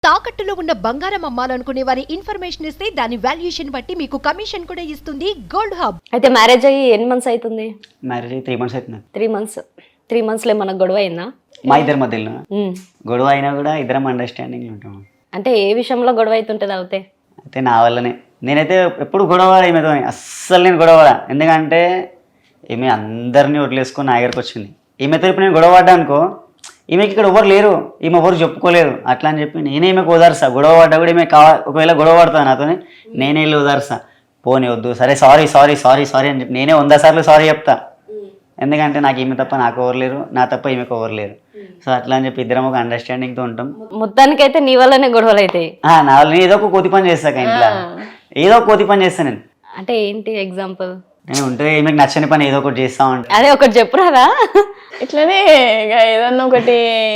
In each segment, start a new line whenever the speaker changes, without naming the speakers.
తాకట్టులో ఉన్న బంగారం అమ్మాలనుకునే వారి ఇన్ఫర్మేషన్ ఇస్తే దాని వాల్యుయేషన్ బట్టి మీకు కమిషన్ కూడా ఇస్తుంది గోల్డ్ హబ్.
అయితే మ్యారేజ్ అయ్యి ఎన్ని మంత్స్ అవుతుంది?
మ్యారేజ్ అయ్యి 3 months అవుతుంది.
3 months. 3 monthsలో ఏమన్నా గొడవ అయిందా?
మా ఇద్దరి మధ్యలో గొడవ అయినా కూడా ఇద్దరం అండర్స్టాండింగ్ ఉంటాం.
అంటే ఏ విషయంలో గొడవ అవుతుంటుంది అవుతే?
అయితే నా వల్లనే నేనైతే ఎప్పుడు గొడవ ఈమెతో అస్సలు నేను గొడవ. ఎందుకంటే ఈమె అందరినీ వదిలేసుకొని నా దగ్గరకు వచ్చింది. ఈమెతో ఇప్పుడు నేను గొడవ పడ్డా అనుకో, ఈమెకి ఇక్కడ ఎవరు లేరు, ఈమె ఎవరు చెప్పుకోలేదు అట్లా అని చెప్పి నేనే ఈమెకు ఓదార్సా. గొడవ పడ్డా కూడా ఈమె ఒకవేళ గొడవ పడుతుంది నాతోనే, నేనే వెళ్ళి ఓదార్సా. పోనీ వద్దు, సరే సారీ సారీ సారీ సారీ అని చెప్పి నేనే 100 సార్లు సారీ చెప్తా. ఎందుకంటే నాకు ఈమె తప్ప నాకు ఎవరు లేరు, నా తప్ప ఈమెకు ఎవరు లేరు. సో అట్లా అని చెప్పి ఇద్దరం ఒక అండర్స్టాండింగ్తో ఉంటాం.
మొత్తానికైతే నీ వల్లనే గొడవలు అవుతాయి.
నా వల్ల నేను ఏదో ఒక కోతి పని చేస్తాక ఇంట్లో, ఏదో ఒక కోతి పని చేస్తాను నేను.
అంటే ఏంటి ఎగ్జాంపుల్?
నేను ఉంటే ఈమెకు నచ్చని పని ఏదో ఒకటి చేస్తా ఉంటాను.
అదే ఒకటి చెప్పురాదా?
ఇట్లనే ఇక ఏదన్నా ఒకటి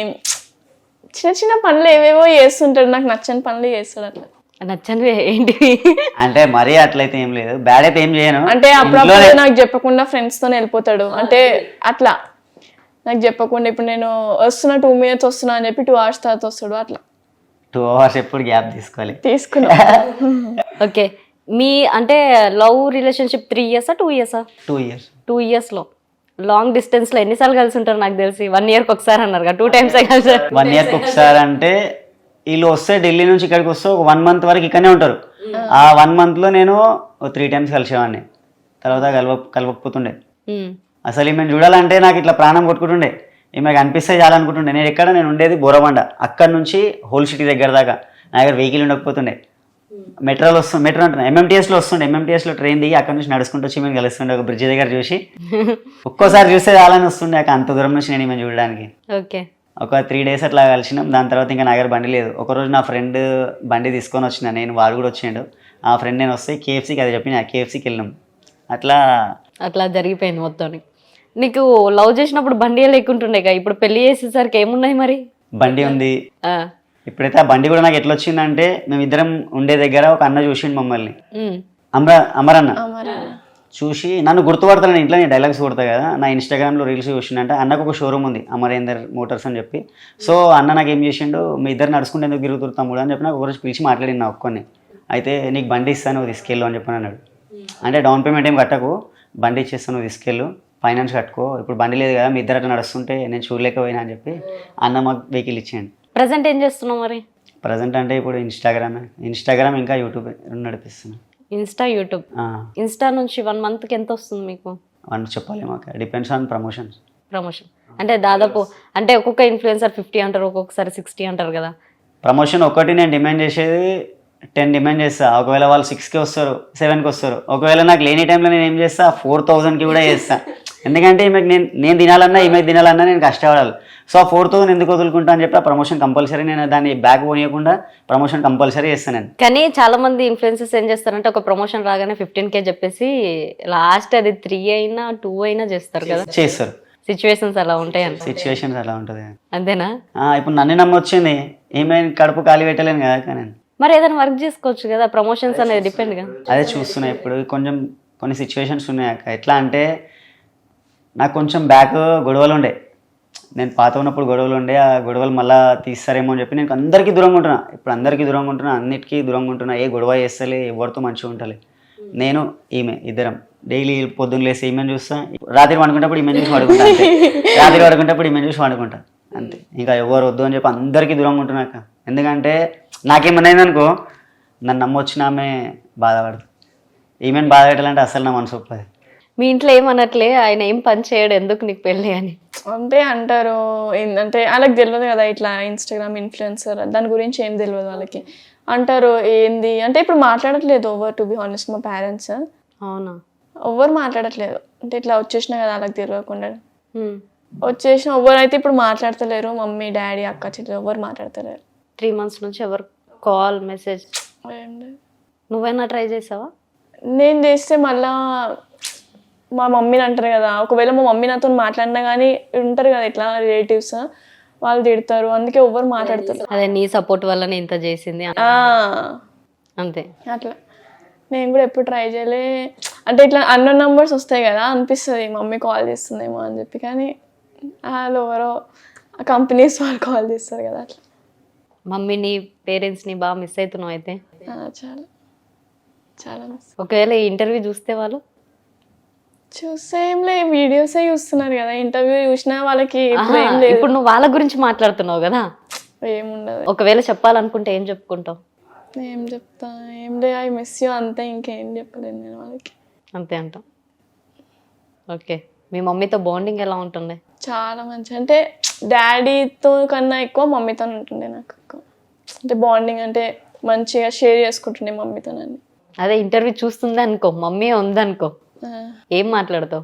చిన్న చిన్న పనులు ఏవేవో చేస్తుంటాడు, నాకు నచ్చని పనులు చేస్తాడు. అట్లా
నచ్చనివి ఏంటివి?
అంటే మరీ అట్లయితే ఏం లేదు, బ్యాడ్ అయితే ఏం చేయను.
అంటే అప్పుడప్పుడు నాకు చెప్పకుండా ఫ్రెండ్స్ తో వెళ్ళిపోతాడు. అంటే అట్లా నాకు చెప్పకుండా ఇప్పుడు నేను వస్తున్నా 2 minutes వస్తున్నా అని చెప్పి 2 hours తర్వాత వస్తాడు. అట్లా
2 hours ఎప్పుడు గ్యాప్ తీసుకోవాలి.
తీసుకున్నా.
ఓకే, మీ అంటే love relationship 3 years 2 years?
2 years.
2 yearsలో లాంగ్ డిస్టెన్స్లో ఎన్నిసార్లు కలిసి ఉంటారు? నాకు తెలిసి 1 yearకి ఒకసారి అన్నారు కదా, 2 times కలిసారు.
1 yearకి ఒకసారి అంటే వీళ్ళు వస్తే ఢిల్లీ నుంచి ఇక్కడికి వస్తే ఒక 1 month వరకు ఇక్కడనే ఉంటారు. ఆ 1 monthలో నేను 3 times కలిసేవాడిని. తర్వాత కలవకపోతుండే. అసలు ఈమెను చూడాలంటే నాకు ఇట్లా ప్రాణం కొట్టుకుంటుండే. ఈమె కనిపిస్తే చాలనుకుంటుండే. నేను ఉండేది బోరబండ, అక్కడ నుంచి హోల్ సిటీ దగ్గర దాకా నా దగ్గర వెహికల్ ఉండకపోతుండే. మెట్రో అంటున్నా, MMTSలో వస్తుండే. MMTSలో ట్రైన్ దిగి అక్కడ నుంచి నడుచుకుంటూ వచ్చి మేము కలుస్తుండే ఒక బ్రిడ్జ్ దగ్గర చూసి. ఒక్కోసారి చూస్తే చాలని వస్తుండే అంత దూరం నుంచి నేను ఈమెను చూడడానికి.
ఓకే,
ఒక 3 days అట్లా కలిసినాం. దాని తర్వాత ఇంకా నా దగ్గర బండి లేదు. ఒకరోజు నా ఫ్రెండ్ బండి తీసుకొని వచ్చిన, నేను వాడు కూడా వచ్చిండు. ఆ ఫ్రెండ్ నేను వస్తే KFCకి అది చెప్పిన, KFCకి వెళ్ళినాం. అట్లా
జరిగిపోయింది మొత్తం. నీకు లవ్ చేసినప్పుడు బండి లేకుంటుండే కదా, ఇప్పుడు పెళ్లి చేసేసరికి ఏమున్నాయి మరి?
బండి ఉంది. ఇప్పుడైతే ఆ బండి కూడా నాకు ఎట్లా వచ్చిందంటే, మేమిద్దరం ఉండే దగ్గర ఒక అన్న చూసిండు మమ్మల్ని, అమరన్న చూసి నన్ను గుర్తుపడతాను. ఇంట్లో నేను డైలాగ్స్ కొడతా కదా, నా ఇన్స్టాగ్రామ్లో రీల్స్ చూసిండంటే అన్నకు ఒక షోరూమ్ ఉంది అమరేందర్ మోటార్స్ అని చెప్పి. సో అన్న నాకు ఏం చేసిండు, మీ ఇద్దరు నడుచుకుంటే ఎందుకు తిరుగుతురు తమ్ముడు అని చెప్పి నాకు ఒకరోజు పిలిచి మాట్లాడి నా ఒక్కొని. అయితే నీకు బండి ఇస్తాను తీసుకెళ్ళు అని చెప్పని అన్నాడు. అంటే డౌన్ పేమెంట్ ఏం కట్టకు, బండి ఇచ్చేస్తాను తీసుకెళ్ళు, ఫైనాన్స్ కట్టుకో, ఇప్పుడు బండి లేదు కదా, మీ ఇద్దరు అట్లా నడుస్తుంటే నేను చూడలేకపోయినా అని చెప్పి అన్న మాకు వెహికల్ ఇచ్చేయండి.
ప్రజెంట్ ఏం చేస్తున్నావు మరి?
ప్రజెంట్ అంటే ఇప్పుడు ఇన్స్టాగ్రామ్ ఇంకా యూట్యూబ్ నడిపిస్తున్నాను.
యూట్యూబ్. ఇన్స్టా నుంచి 1 monthకి ఎంత వస్తుంది మీకు?
చెప్పాలి మాకు, డిపెండ్స్ ఆన్ ప్రమోషన్.
అంటే దాదాపు అంటే ఒక్కొక్క ఇన్ఫ్లుయెన్సర్ 50 అంటారు, ఒక్కొక్కసారి 60 అంటారు కదా.
ప్రమోషన్ ఒకటి నేను డిమాండ్ చేసేది 10 డిమాండ్ చేస్తా. ఒకవేళ వాళ్ళు 6కి వస్తారు, 7కి వస్తారు. ఒకవేళ నాకు లేని టైంలో నేను ఏం చేస్తా 4,000కి కూడా చేస్తా. ఎందుకంటే ఈమెకు నేను తినాలన్నా ఈమెకు తినాలన్నా నేను కష్టపడాలి. సో ఆ 4,000 ఎందుకు వదులుకుంటా అని చెప్పి ఆ ప్రమోషన్ కంపల్సరీ, నేను దాన్ని బ్యాక్ పోనీయకుండా ప్రమోషన్ కంపల్సరీ చేస్తాను నేను.
కానీ చాలా మంది ఇన్ఫ్లుయెన్సర్స్ ఏం చేస్తారంటే ఒక ప్రమోషన్ రాగానే 15K చెప్పేసి లాస్ట్ అది 3 అయినా 2 అయినా చేస్తారు కదా.
చేస్తారు.
సిచ్యువేషన్స్ అలా ఉంటాయి.
సిచ్యువేషన్స్ అలా ఉంటుంది.
అంతేనా?
ఇప్పుడు నన్ను నమ్మొచ్చింది, ఏమైనా కడుపు ఖాళీ పెట్టలేను కదా నేను.
మరి ఏదైనా వర్క్ చేసుకోవచ్చు కదా, ప్రమోషన్స్ అనేది డిపెండ్ గా.
అదే చూస్తున్నా ఇప్పుడు కొన్ని సిచ్యువేషన్స్ ఉన్నాయి అక్క. ఎట్లా అంటే నాకు కొంచెం బ్యాక్ గొడవలు ఉండే, నేను పాత ఉన్నప్పుడు గొడవలు ఉండే. ఆ గొడవలు మళ్ళీ తీస్తారేమో అని చెప్పి నేను అందరికీ దూరంగా ఉంటున్నా. ఇప్పుడు అందరికీ దూరంగా ఉంటున్నా, అన్నిటికీ దూరంగా ఉంటున్నా. ఏ గొడవ చేస్తలే, ఎవరితో మంచిగా ఉంటలే. నేను ఈమె ఇద్దరం డైలీ పొద్దున్న లేసి ఈమెను చూస్తా, రాత్రి పడుకుంటప్పుడు ఈమెను చూసి పడుకుంటా, అంతే. రాత్రి పడుకుంటప్పుడు ఈమెను చూసి పడుకుంటా, అంతే. ఇంకా ఎవరు వద్దు అని చెప్పి అందరికీ దూరంగా ఉంటున్నాక. ఎందుకంటే నాకేమన్నైందనుకో, నన్ను నమ్మొచ్చిన ఆమె బాధపడదు. ఈమెను బాధ పెట్టాలంటే అసలు నా మనసు ఒప్పది.
మీ ఇంట్లో ఏమన్నట్లే, ఆయన ఏం పని చేయడు, ఎందుకు నీకు పెళ్ళి అని
అంటే అంటారు. అంటే వాళ్ళకి తెలియదు కదా, ఇట్లా ఇన్స్టాగ్రామ్ ఇన్ఫ్లుయెన్సర్ దాని గురించి ఏం తెలియదు వాళ్ళకి. అంటారు ఏంది అంటే, ఇప్పుడు మాట్లాడట్లేదు ఓవర్, టు బి హానెస్ట్ మా పేరెంట్స్.
అవునా?
ఎవ్వరు మాట్లాడట్లేదు. అంటే ఇట్లా వచ్చేసినా కదా వాళ్ళకి తెలియకుండా వచ్చేసిన ఎవ్వరు అయితే ఇప్పుడు మాట్లాడతలేరు. మమ్మీ డాడీ అక్క చెల్లెలు ఎవ్వరు మాట్లాడతలేరు.
3 months నుంచి ఎవరు కాల్ మెసేజ్? నువ్వైనా ట్రై చేసావా?
నేను చేస్తే మళ్ళా మా మమ్మీని అంటారు కదా, ఒకవేళ మా మమ్మీ నాతో మాట్లాడినా కానీ ఉంటారు కదా ఇట్లా రిలేటివ్స్, వాళ్ళు తిడతారు. అందుకే ఎవ్వరు మాట్లాడతారు.
అదే నీ సపోర్ట్ వల్లనే ఇంత చేసింది అంతే.
అట్లా నేను కూడా ఎప్పుడు ట్రై చేయలే. అంటే ఇట్లా అన్నోన్ నంబర్స్ వస్తాయి కదా, అనిపిస్తుంది మమ్మీ కాల్ చేస్తుందేమో అని చెప్పి. కానీ వాళ్ళు ఎవరో కంపెనీస్ వాళ్ళు కాల్ చేస్తారు కదా. అట్లా
మమ్మీని పేరెంట్స్ని బాగా మిస్ అవుతున్నావు అయితే.
చాలా చాలా miss.
ఒకవేళ ఈ ఇంటర్వ్యూ చూస్తే వాళ్ళు
చూస్తే ఏం లే, వీడియోసే చూస్తున్నారు కదా, ఇంటర్వ్యూ చూసినా వాళ్ళకి ఇప్పుడు ఏం లేదు,
ఇప్పుడు నువ్వు వాళ్ళ గురించి మాట్లాడుతున్నావు కదా,
ఏముండదు.
ఒకవేళ చెప్పాలనుకుంటే ఏం చెప్పుకుంటావు?
ఏం చెప్తా, ఏం లే, ఐ మిస్ యూ అంతే, ఇంకేం చెప్పలేను నేను వాళ్ళకి.
అంతే అంటాం. ఓకే, మీ మమ్మీతో బాండింగ్ ఎలా ఉంటుంది?
చాలా మంచి, అంటే డాడీతో కన్నా ఎక్కువ మమ్మీతో ఉంటుండే నాకు ఎక్కువ, అంటే బాండింగ్ అంటే మంచిగా షేర్ చేసుకుంటుండే మమ్మీతో నన్ను.
అదే ఇంటర్వ్యూ చూస్తుంది అనుకో, మమ్మీ ఉందనుకో, ఏం మాట్లాడతావు?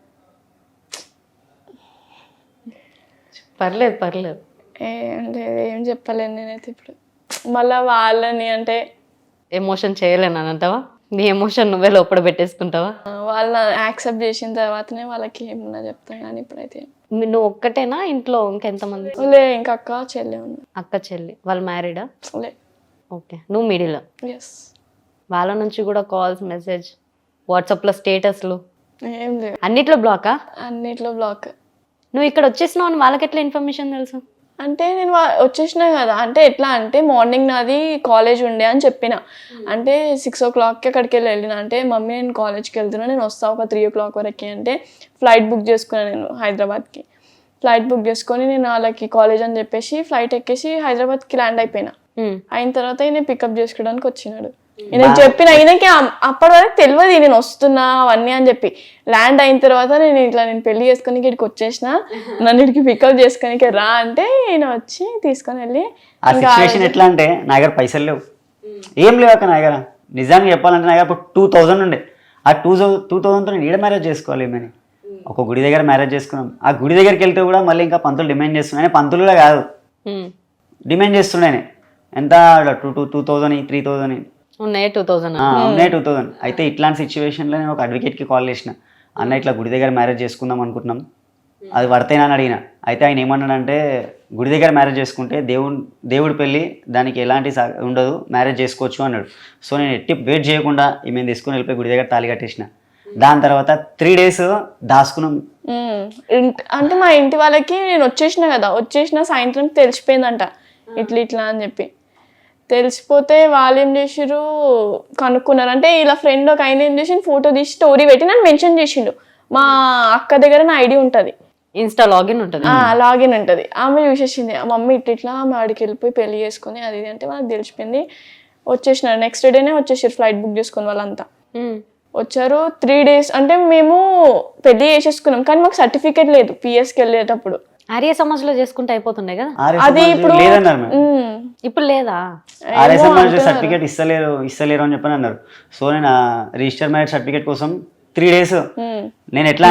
పర్లేదు పర్లేదు.
అంటే ఏం చెప్పలేను నేనైతే ఇప్పుడు, మళ్ళీ వాళ్ళని అంటే
ఎమోషన్ చేయలేను అని అంటావా? నీ ఎమోషన్ నువ్వే లోపల పెట్టేసుకుంటావా?
వాళ్ళని యాక్సెప్ట్ చేసిన తర్వాతనే వాళ్ళకి ఏమన్నా చెప్తాను, కానీ ఇప్పుడైతే
నువ్వు ఒక్కటేనా ఇంట్లో ఇంకెంతమంది?
లే, ఇంకా అక్క చెల్లె ఉంది.
అక్క చెల్లి వాళ్ళు మ్యారీడా?
లే.
ఓకే, నువ్వు మిడిల్.
ఎస్.
వాళ్ళ నుంచి కూడా కాల్స్, మెసేజ్, వాట్సాప్లో స్టేటస్లు
ఏం లేవు,
అన్నిట్లో బ్లాకా?
అన్నిట్లో బ్లాక్.
నువ్వు ఇక్కడ వచ్చేసినావు అని వాళ్ళకి ఎట్లా ఇన్ఫర్మేషన్ తెలుసు?
అంటే నేను వచ్చేసిన కదా, అంటే ఎట్లా అంటే మార్నింగ్ నాది కాలేజ్ ఉండే అని చెప్పిన, అంటే 6 o'clockకి అక్కడికి వెళ్ళిన, అంటే మమ్మీ నేను కాలేజ్కి వెళ్తున్నా, నేను వస్తాను ఒక 3 o'clock వరకు, అంటే ఫ్లైట్ బుక్ చేసుకున్నాను నేను హైదరాబాద్కి. ఫ్లైట్ బుక్ చేసుకొని నేను వాళ్ళకి కాలేజ్ అని చెప్పేసి ఫ్లైట్ ఎక్కేసి హైదరాబాద్కి ల్యాండ్ అయిపోయినా. అయిన తర్వాత ఈయన పికప్ చేసుకోవడానికి వచ్చినాడు. నేను చెప్పిన ఈయనకి అప్పటి వరకు తెలియదు నేను వస్తున్నా అవన్నీ అని చెప్పి. ల్యాండ్ అయిన తర్వాత నేను పెళ్లి చేసుకొని ఇక్కడికి వచ్చేసిన, నన్ను ఇక్కడికి పికప్ చేసుకొని రా అంటే ఈయన వచ్చి తీసుకొని వెళ్ళి.
ఆ సిచ్యువేషన్ ఎట్లా అంటే నా దగ్గర పైసలు లేవు, ఏం లేవు అక్క నా దగ్గర. నిజానికి చెప్పాలంటే నా దగ్గర 2000 ఉండే. ఆ 2000తో నేను ఈడ మ్యారేజ్ చేసుకోవాలి ఏమని ఒక గుడి దగ్గర మ్యారేజ్ చేసుకున్నాం. ఆ గుడి దగ్గరికి వెళ్తే కూడా మళ్ళీ ఇంకా పంతులు డిమాండ్ చేస్తున్నాయి. పంతులు కూడా కాదు, డిమాండ్ చేస్తున్నాయి ఎంత 2000 3000
ఉన్నాయి 2000.
ఉన్నాయి 2000. అయితే ఇట్లాంటి సిచ్యువేషన్లో నేను ఒక అడ్వకేట్కి కాల్ చేసిన, అన్న ఇట్లా గుడి దగ్గర మ్యారేజ్ చేసుకుందాం అనుకుంటున్నాం, అది వర్తేనా అని అడిగిన. అయితే ఆయన ఏమన్నాడంటే గుడి దగ్గర మ్యారేజ్ చేసుకుంటే దేవుడి పెళ్ళి, దానికి ఎలాంటి ఉండదు, మ్యారేజ్ చేసుకోవచ్చు అన్నాడు. సో నేను ఎట్టి వెయిట్ చేయకుండా ఈమెను తీసుకుని వెళ్ళిపోయి గుడి దగ్గర తాళి కట్టేసిన. దాని తర్వాత 3 days దాచుకున్నాం.
అంటే మా ఇంటి వాళ్ళకి నేను వచ్చేసిన సాయంత్రం తెలిసిపోయిందంట ఇట్లా అని చెప్పి. తెలిసిపోతే వాళ్ళు ఏం చేసిర్రు, కనుక్కున్నారు. అంటే ఇలా ఫ్రెండ్ ఒక ఆయన ఏం చేసి ఫోటో తీసి స్టోరీ పెట్టి నన్ను మెన్షన్ చేసిండు. మా అక్క దగ్గర నా ఐడి ఉంటుంది,
ఇన్స్టా లాగిన్ ఉంటుంది,
లాగిన్ ఉంటుంది. ఆమె చూసేసింది, మమ్మీ ఇట్లా ఆమె ఆడికి వెళ్ళిపోయి పెళ్లి చేసుకుని అది అంటే వాళ్ళకి తెలిసిపోయింది. వచ్చేసినారు, నెక్స్ట్ డేనే వచ్చేసారు ఫ్లైట్ బుక్ చేసుకుని వాళ్ళంతా వచ్చారు. 3 days అంటే మేము పెళ్లి చేసేసుకున్నాం, కానీ మాకు సర్టిఫికేట్ లేదు పిఎస్కి వెళ్ళేటప్పుడు.
ఆర్య సమాజ్లో చేసుకుంటే అయిపోతుండే కదా,
అది ఇప్పుడు
ఇప్పుడు లేదా?
ఆర్య సమాజ్ సర్టిఫికేట్ ఇస్తలేరు అని చెప్పని అన్నారు. సో నేను రిజిస్టర్ మ్యారేజ్ సర్టిఫికేట్ కోసం 3 days నేను ఎట్లా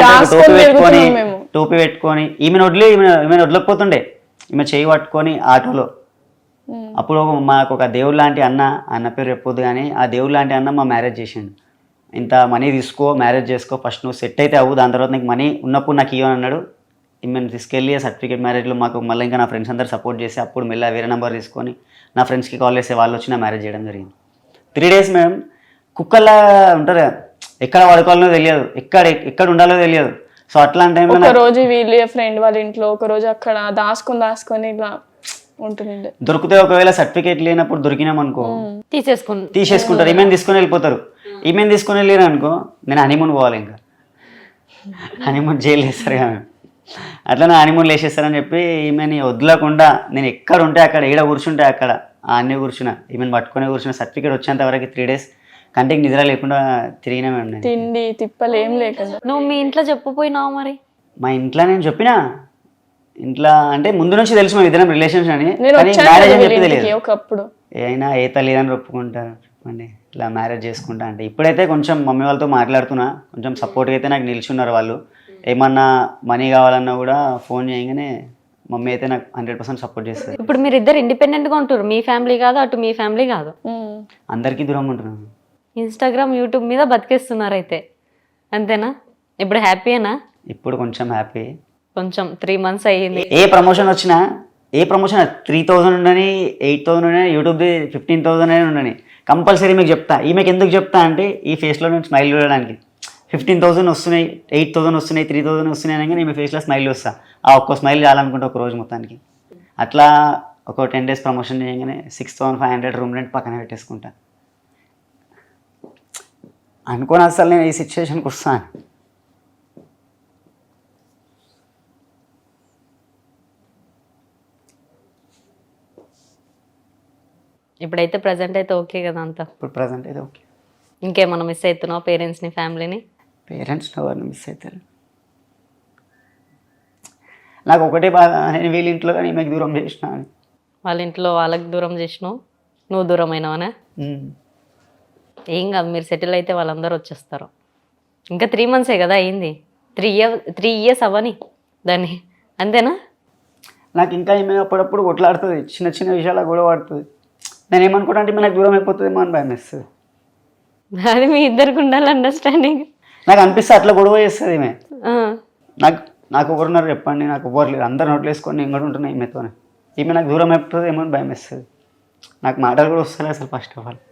టోపీ పెట్టుకొని ఈమెను వదలకపోతుండే, ఈమె చేయి పట్టుకొని ఆటోలో. అప్పుడు మాకు ఒక దేవుడు లాంటి అన్న పేరు చెప్పొద్దు కానీ, ఆ దేవుడు లాంటి అన్న మా మ్యారేజ్ చేసిండు. ఇంత మనీ తీసుకో, మ్యారేజ్ చేసుకో, ఫస్ట్ నువ్వు సెట్ అయితే అవ్వు, దాని తర్వాత నీకు మనీ ఉన్నప్పుడు నాకు ఇవ్వని అన్నాడు. ఈమెను తీసుకెళ్ళి సర్టిఫికేట్ మ్యారేజ్లో మాకు మళ్ళీ ఇంకా నా ఫ్రెండ్స్ అందరు సపోర్ట్ చేసి అప్పుడు మెల్ల వేరే నెంబర్ తీసుకొని నా ఫ్రెండ్స్కి కాల్ చేస్తే వాళ్ళు వచ్చి నా మ్యారేజ్ చేయడం జరిగింది. 3 days మేడం కుక్కల్లా ఉంటారు, ఎక్కడ పడుకోవాలనో తెలియదు, ఎక్కడ ఉండాలో తెలియదు. సో అట్లాంటి టైంలో
ఒక రోజు వీళ్ళ ఫ్రెండ్ వాళ్ళ ఇంట్లో, ఒక రోజు అక్కడ దాచుకొని ఇట్లా ఉంటుండే.
దొరికితే ఒకవేళ సర్టిఫికేట్ లేనప్పుడు దొరికినాం అనుకో తీసేసుకుంటారు, ఈమెను తీసుకొని వెళ్ళిపోతారు. ఈమెను తీసుకొని వెళ్ళారు అనుకో నేను హనీమూన్ పోవాలి, ఇంకా హనీమూన్ జైలు వేస్తారు కదా, అట్లా నా హనీమూన్ వేసేస్తారని చెప్పి ఈమెని వదలకుండా నేను ఎక్కడ ఉంటే అక్కడ, ఏడ కూర్చుంటే అక్కడ అన్నీ కూర్చున్నా, ఈమెను పట్టుకొని కూర్చున్న. సర్టిఫికేట్ వచ్చేంత వరకు 3 days కంటికి నిద్ర లేకుండా తిరిగినా మేము,
తిండి తిప్పలు ఏం లేకుండా.
నువ్వు మీ ఇంట్లో చెప్పపోయినావు మరి?
మా ఇంట్లో నేను చెప్పినా, ఇంట్లో అంటే ముందు నుంచి తెలుసు మా ఇద్దరం రిలేషన్స్ అని,
మ్యారేజ్ అని చెప్పి తెలియదు. ఒకప్పుడు
అయినా ఏ తల్లిదండ్రులు ఒప్పుకుంటారు చెప్పండి ఇలా మ్యారేజ్ చేసుకుంటా అంటే. ఇప్పుడైతే కొంచెం మమ్మీ వాళ్ళతో మాట్లాడుతున్నా, కొంచెం సపోర్ట్గా అయితే నాకు నిల్చున్నారు వాళ్ళు. ఏమన్నా మనీ కావాలన్నా కూడా ఫోన్ చేయగానే మమ్మీ అయితే నాకు 100% సపోర్ట్ చేస్తారు.
ఇప్పుడు మీరు ఇద్దరు ఇండిపెండెంట్గా ఉంటారు, మీ ఫ్యామిలీ కాదు, అటు మీ ఫ్యామిలీ కాదు,
అందరికీ దూరంగా ఉంటున్నాను.
ఇన్స్టాగ్రామ్ యూట్యూబ్ మీద బతికేస్తున్నారు అయితే, అంతేనా? ఇప్పుడు హ్యాపీయేనా?
ఇప్పుడు కొంచెం హ్యాపీ,
కొంచెం 3 months అయ్యింది.
ఏ ప్రమోషన్ 3000 ఉండని, 8000 ఉండని, యూట్యూబ్ది 15,000 ఉండని, కంపల్సరీ మీకు చెప్తా. ఈమెకి ఎందుకు చెప్తా అంటే ఈ ఫేస్లో నేను స్మైల్ చూడడానికి. 15,000 వస్తున్నాయి, 8,000 వస్తున్నాయి, 3,000 వస్తున్నాయి అనగా నేను ఫేస్లో స్మైల్ వస్తా. ఆ ఒక్క స్మైల్ చాలనుకుంటే ఒక రోజు మొత్తానికి. అట్లా ఒక 10 days ప్రమోషన్ చేయగానే 6,500 రూమ్ రెంట్ పక్కన పెట్టేసుకుంటా. అనుకోని అసలు నేను ఈ సిచ్యువేషన్కి వస్తాను.
ఇప్పుడైతే ప్రజెంట్ అయితే ఓకే కదా అంతా?
ఇప్పుడు ప్రజెంట్ అయితే ఓకే.
ఇంకేమన్నా మిస్ అవుతున్నావు పేరెంట్స్ని, ఫ్యామిలీని?
పేరెంట్స్ ఎవరిని మిస్ అవుతారు? నాకు ఒకటే బాధ, నేను వీళ్ళ ఇంట్లో కానీ ఈమెకు దూరం చేసిన అని.
వాళ్ళ ఇంట్లో వాళ్ళకి దూరం చేసినావు, నువ్వు దూరం అయినావనే? ఏం కాదు, మీరు సెటిల్ అయితే వాళ్ళందరూ వచ్చేస్తారు. ఇంకా 3 months కదా అయింది, 3 years అవ్వని దాన్ని, అంతేనా?
నాకు ఇంకా ఈమె అప్పుడప్పుడు కొట్లాడుతుంది, చిన్న చిన్న విషయాలకు కూడా పడుతుంది. నేను ఏమనుకుంటా అంటే నాకు దూరం అయిపోతుందేమో అని భయం వేస్తుంది.
అది మీ ఇద్దరికి ఉండాలి అండర్స్టాండింగ్.
నాకు అనిపిస్తే అట్లా గొడవ చేస్తుంది ఈమె. నాకు ఎవరున్నారు చెప్పండి, నాకు ఎవరు లేరు, అందరు నోట్లు వేసుకొని నేను కూడా ఉంటున్నాను ఈమెతోనే. ఈమె నాకు దూరం అయిపోతుంది ఏమో అని భయం వేస్తుంది. నాకు మాటలు కూడా వస్తలే అసలు first of all.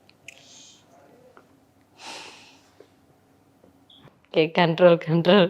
Okay, control.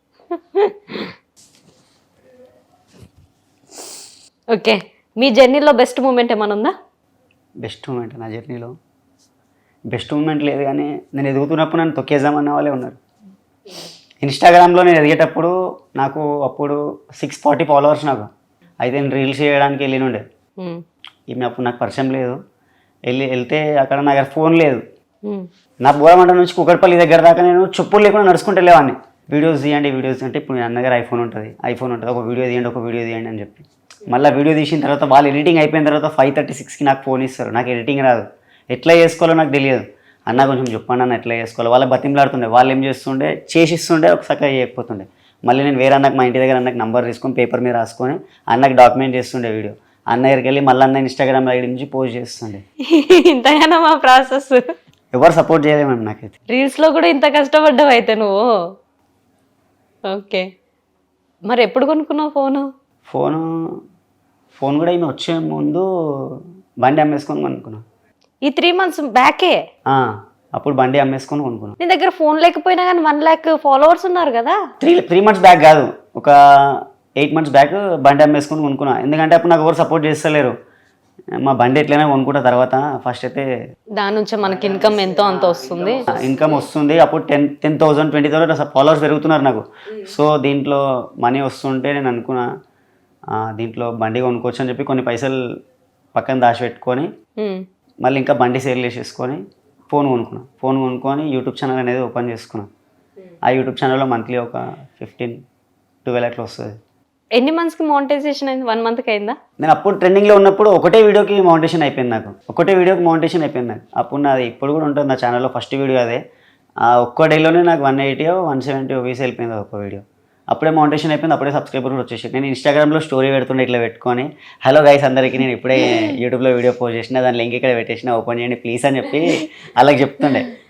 Okay, మీ జర్నీలో బెస్ట్ మూమెంట్ ఏమైనా ఉందా?
బెస్ట్ మూమెంట్ నా జర్నీలో బెస్ట్ మూమెంట్ లేదు, కానీ నేను ఎదుగుతున్నప్పుడు నన్ను తొక్కేద్దామన్న వాళ్ళే ఉన్నారు. ఇన్స్టాగ్రామ్లో నేను ఎదిగేటప్పుడు నాకు అప్పుడు 640 followers నాకు. అయితే నేను రీల్స్ చేయడానికి వెళ్ళినుండే. ఈమె అప్పుడు నాకు పరిచయం లేదు. వెళ్తే అక్కడ నా దగ్గర ఫోన్ లేదు. నా బోరమంట నుంచి కుక్కడపల్లి దగ్గర దాకా నేను చెప్పులు లేకుండా నడుచుకుంటూ వెళ్ళేవాడిని. వీడియోస్ తీయండి అంటే ఇప్పుడు నా దగ్గర ఐఫోన్ ఉంటుంది, ఒక వీడియో తీయండి అని చెప్పి మళ్ళీ వీడియో తీసిన తర్వాత వాళ్ళు ఎడిటింగ్ అయిపోయిన తర్వాత 5:36కి నాకు ఫోన్ ఇస్తారు. నాకు ఎడిటింగ్ రాదు, ఎట్లా చేసుకోవాలో నాకు తెలియదు. అన్న కొంచెం చెప్పండి అన్న ఎట్లా చేసుకోవాలి. వాళ్ళ బతిమలాడుతుండే, వాళ్ళు ఏం చేస్తుండే చేసిస్తుండే, ఒకసారి చేయకపోతుండే. మళ్ళీ నేను వేరే అన్నకు మా ఇంటి దగ్గర అన్నకు నంబర్ తీసుకొని పేపర్ మీద రాసుకొని అన్నకు డాక్యుమెంట్ చేస్తుండే వీడియో. అన్న దగ్గరికి వెళ్ళి మళ్ళీ అన్న ఇన్స్టాగ్రామ్ ఐడి నుంచి పోస్ట్ చేస్తుండే.
ఇంతగానో మా ప్రాసెస్
ఎవరు సపోర్ట్ చేయలేమండి నాకైతే.
రీల్స్లో కూడా ఇంత కష్టపడ్డావు అయితే నువ్వు. ఓకే, మరి ఎప్పుడు కొనుక్కున్నావు
ఫోన్ కూడా ఈమె వచ్చే ముందు బండి అమ్మేసుకొని కొనుక్కున్నాను.
ఈ 3 months బ్యాకే?
అప్పుడు బండి అమ్మేసుకొని కొనుక్కున్నాను.
నీ దగ్గర ఫోన్ లేకపోయినా కానీ 1 lakh followers ఉన్నారు కదా.
3 months బ్యాక్ కాదు, ఒక 8 months బ్యాక్ బండి అమ్మేసుకొని కొనుక్కున్నాను. ఎందుకంటే అప్పుడు నాకు ఎవరు సపోర్ట్ చేస్తలేరు. మా బండి ఎట్లయినా కొనుక్కుంటా, తర్వాత ఫస్ట్ అయితే
దాని నుంచి మనకి ఇన్కమ్ ఎంతో అంత వస్తుంది.
ఇన్కమ్ వస్తుంది. అప్పుడు 10,000 20,000 ఫాలోవర్స్ పెరుగుతున్నారు నాకు. సో దీంట్లో మనీ వస్తుంటే నేను అనుకున్నా దీంట్లో బండి కొనుక్కోవచ్చు అని చెప్పి కొన్ని పైసలు పక్కన దాచిపెట్టుకొని మళ్ళీ ఇంకా బండి సేల్ చేసేసుకొని ఫోన్ కొనుక్కొని యూట్యూబ్ ఛానల్ అనేది ఓపెన్ చేసుకున్నాను. ఆ యూట్యూబ్ ఛానల్లో మంత్లీ ఒక 15-12 అట్లా వస్తుంది.
ఎన్ని మంత్స్కి మోనిటైజేషన్ అయింది? 1 monthకి అయిందా?
నేను అప్పుడు ట్రెండింగ్లో ఉన్నప్పుడు ఒకటే వీడియోకి మౌంటేషన్ అయిపోయింది నాకు. అప్పుడు నాది ఇప్పుడు కూడా ఉంటుంది నా ఛానల్లో, ఫస్ట్ వీడియో అదే. ఆ ఒక్క డేలోనే నాకు 180-170 వ్యూస్ వెళ్ళిపోయింది ఒక్క వీడియో. అప్పుడే మౌంటేషన్ అయిపోయింది, అప్పుడే సబ్స్క్రైబర్ కూడా వచ్చేసి. నేను ఇన్స్టాగ్రామ్లో స్టోరీ పెడుతుండే ఇట్లా పెట్టుకొని, హలో గైస్ అందరికీ నేను ఇప్పుడే యూట్యూబ్లో వీడియో పోస్ట్ చేసిన, దాని లింక్ ఇక్కడ పెట్టేసిన, ఓపెన్ చేయండి ప్లీజ్ అని చెప్పి అలాగే చెప్తుండే.